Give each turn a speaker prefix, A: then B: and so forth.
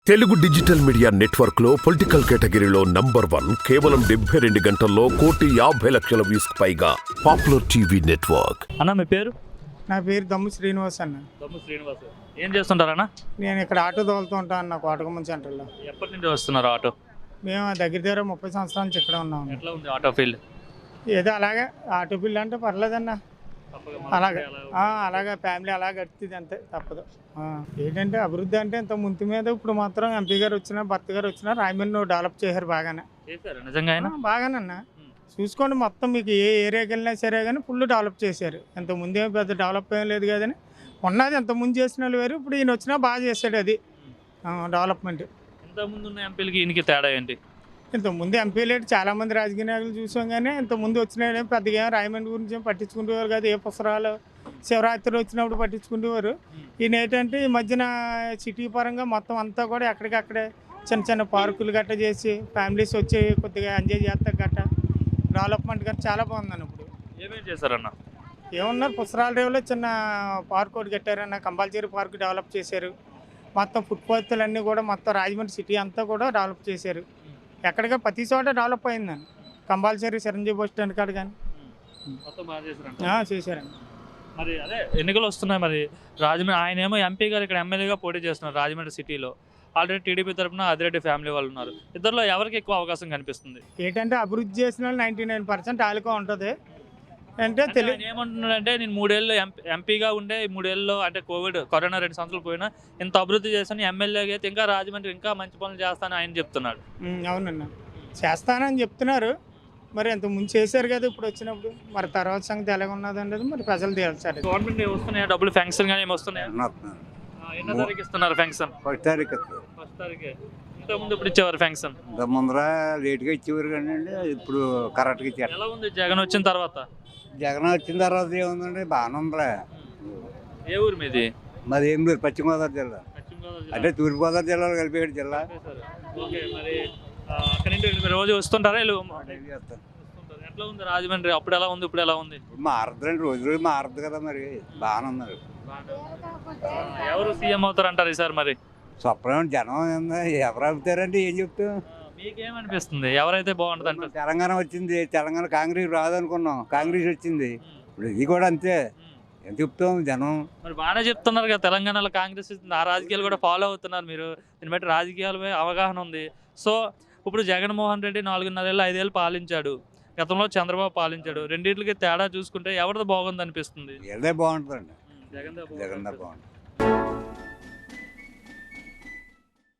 A: Telugu digital media network లో political కేటగిరీలో number 1 కేవలం 72 గంటల్లో 1,50,00,000 వ్యూస్ పైగా పాపులర్ టీవీ నెట్వర్క్.
B: అన్న మీ పేరు?
C: నా పేరు దమ్ము శ్రీనివాస్ అన్న.
B: దమ్ము శ్రీనివాస్. ఏం చేస్తుంటారన్న?
C: నేను ఇక్కడ ఆటో తోలుతూ ఉంటాను అన్న కోటగుమ్మం సెంటర్లో.
B: ఎప్పటి నుంచి వస్తున్నారు ఆటో?
C: మేము దగ్గర 30 సంవత్సరాల నుంచి ఇక్కడ ఉన్నాము.
B: ఎట్లా ఉంది ఆటో ఫీల్డ్?
C: ఏదో అలాగే ఆటో బిల్ అంటే పర్లేదన్న, అలాగే ఫ్యామిలీ అలా గడుతుంది అంతే, తప్పదు. ఏంటంటే అభివృద్ధి అంటే ఇంత ముందు మీద ఇప్పుడు మాత్రం ఎంపీ గారు వచ్చినా భర్త గారు వచ్చినా రాయమండ్రి డెవలప్ చేశారు బాగానే.
B: నిజంగా
C: బాగానన్నా చూసుకోండి, మొత్తం మీకు ఏ ఏరియాకి వెళ్ళినా సరే కానీ ఫుల్ డెవలప్ చేశారు. ఇంత ముందే పెద్ద డెవలప్ ఏం లేదు కదని ఉన్నది, ఇంత ముందు చేసిన వాళ్ళు వేరు, ఇప్పుడు ఈయన వచ్చినా బాగా చేశాడు అది డెవలప్మెంట్.
B: ఇంతకుముందు ఉన్న ఎంపీలకి ఈయనకి తేడా ఏంటి?
C: ఇంతకుముందు ఎంపీలు చాలామంది రాజకీయ నాయకులు చూసాం, కానీ ఇంతకుముందు వచ్చిన పెద్దగా రాయమండ్రి గురించి ఏం పట్టించుకుంటేవారు కాదు. ఏ పుస్తకాలు శివరాత్రి వచ్చినప్పుడు పట్టించుకుంటేవారు. ఈయన ఏంటంటే ఈ మధ్యన సిటీ పరంగా మొత్తం అంతా కూడా ఎక్కడికక్కడే చిన్న చిన్న పార్కులు గట్ట చేసి ఫ్యామిలీస్ వచ్చి కొద్దిగా ఎంజాయ్ చేస్తారు గట్ట, డెవలప్మెంట్ గట్ట చాలా బాగుందన్న. ఇప్పుడు
B: ఏమేమి చేశారన్న?
C: ఏమన్నారు, పుస్తకాల రేవులో చిన్న పార్క్ ఒకటి కట్టారన్న, కంపల్సరీ పార్క్ డెవలప్ చేశారు. మొత్తం ఫుట్పాత్లు అన్నీ కూడా మొత్తం రాజమండ్రి సిటీ అంతా కూడా డెవలప్ చేశారు. ఎక్కడిగా ప్రతి చోట డెవలప్ అయిందండి. కంపల్సరీ చిరంజీవి బస్ స్టాండ్ కాడ కానీ చేశారండి.
B: మరి అదే ఎన్నికలు వస్తున్నాయి, మరి రాజమండ్రి ఆయన ఏమో ఎంపీ గారు ఇక్కడ ఎమ్మెల్యేగా పోటీ చేస్తున్నారు రాజమండ్రి సిటీలో. ఆల్రెడీ టీడీపీ తరఫున అదిరెడ్డి ఫ్యామిలీ వాళ్ళు ఉన్నారు. ఇద్దరిలో ఎవరికి ఎక్కువ అవకాశం కనిపిస్తుంది?
C: ఏంటంటే అభివృద్ధి చేసిన వాళ్ళు 99% ఆలుగా ఉంటుంది. అంటే
B: ఏమంటున్నాడంటే, నేను 3 ఏళ్ళు ఎంపీగా ఉండే 3 ఏళ్ళలో అంటే కరోనా 2 సంవత్సరాలు పోయినా ఇంత అభివృద్ధి చేస్తాను, ఎమ్మెల్యేగా అయితే ఇంకా రాజమండ్రి ఇంకా మంచి పనులు చేస్తానని ఆయన చెప్తున్నాడు.
C: అవునన్నా, చేస్తానని చెప్తున్నారు. మరి ఇంత ముందు చేశారు కదా ఇప్పుడు వచ్చినప్పుడు, మరి తర్వాత సంగతి ఎలాగ ఉన్నది మరి ప్రజలు తేల్చారు.
B: గవర్నమెంట్ వస్తున్నాయా డబ్బులు, ఫెన్షన్ కానీ ఏమి వస్తున్నాయా? ఎన్నో తారీఖు ఇస్తున్నారు ఫెన్షన్?
D: 1 తారీఖు.
B: 1 తారీఖే. ఇంతకుముందు ఇప్పుడు ఇచ్చేవారు ఫెన్షన్?
D: ముందర లేట్గా ఇచ్చేవారు కానీ ఇప్పుడు కరెక్ట్గా ఇచ్చారు.
B: ఎలా ఉంది జగన్ వచ్చిన తర్వాత?
D: జగన్ వచ్చిన తర్వాత ఏముందండి, బాగానే ఉందిలే.
B: ఏ ఊరు మీది?
D: మాది ఏం లేదు, పశ్చిమ గోదావరి జిల్లా. అంటే తూర్పుగోదావరి జిల్లాలో కలిపేడు జిల్లా.
B: మరి అక్కడి నుండి రోజు వస్తుంటారా? ఎట్లా ఉంది రాజమండ్రి? అప్పుడు ఎలా ఉంది, ఇప్పుడు ఎలా ఉంది?
D: మారద్దండి, రోజు రోజు మారద్దు కదా, మరి బాగానే ఉన్నారు.
B: ఎవరు సీఎం అవుతారు అంటారు ఈసారి? మరి
D: స్వప్నం జనం ఎవరు అవుతారంటే ఏం చెప్తాం.
B: మీకేమనిపిస్తుంది, ఎవరైతే బాగుంటుంది అంటే?
D: తెలంగాణ వచ్చింది, తెలంగాణ కాంగ్రెస్ రాదనుకున్నాం, కాంగ్రెస్ వచ్చింది. ఇప్పుడు ఇది కూడా అంతే, ఏం చెప్తాం జనం.
B: మరి బాగానే చెప్తున్నారు కదా, తెలంగాణలో కాంగ్రెస్ ఆ రాజకీయాలు కూడా ఫాలో అవుతున్నారు మీరు. దీన్ని బట్టి రాజకీయాలపై అవగాహన ఉంది. సో ఇప్పుడు జగన్మోహన్ రెడ్డి 4.5 ఏళ్ళు 5 ఏళ్ళు పాలించాడు, గతంలో చంద్రబాబు పాలించాడు. రెండింటికి తేడా చూసుకుంటే ఎవరిది బాగుంది అనిపిస్తుంది?
D: ఏదే బాగుంటుందండి,
B: జగన్
D: బాగుంటుంది.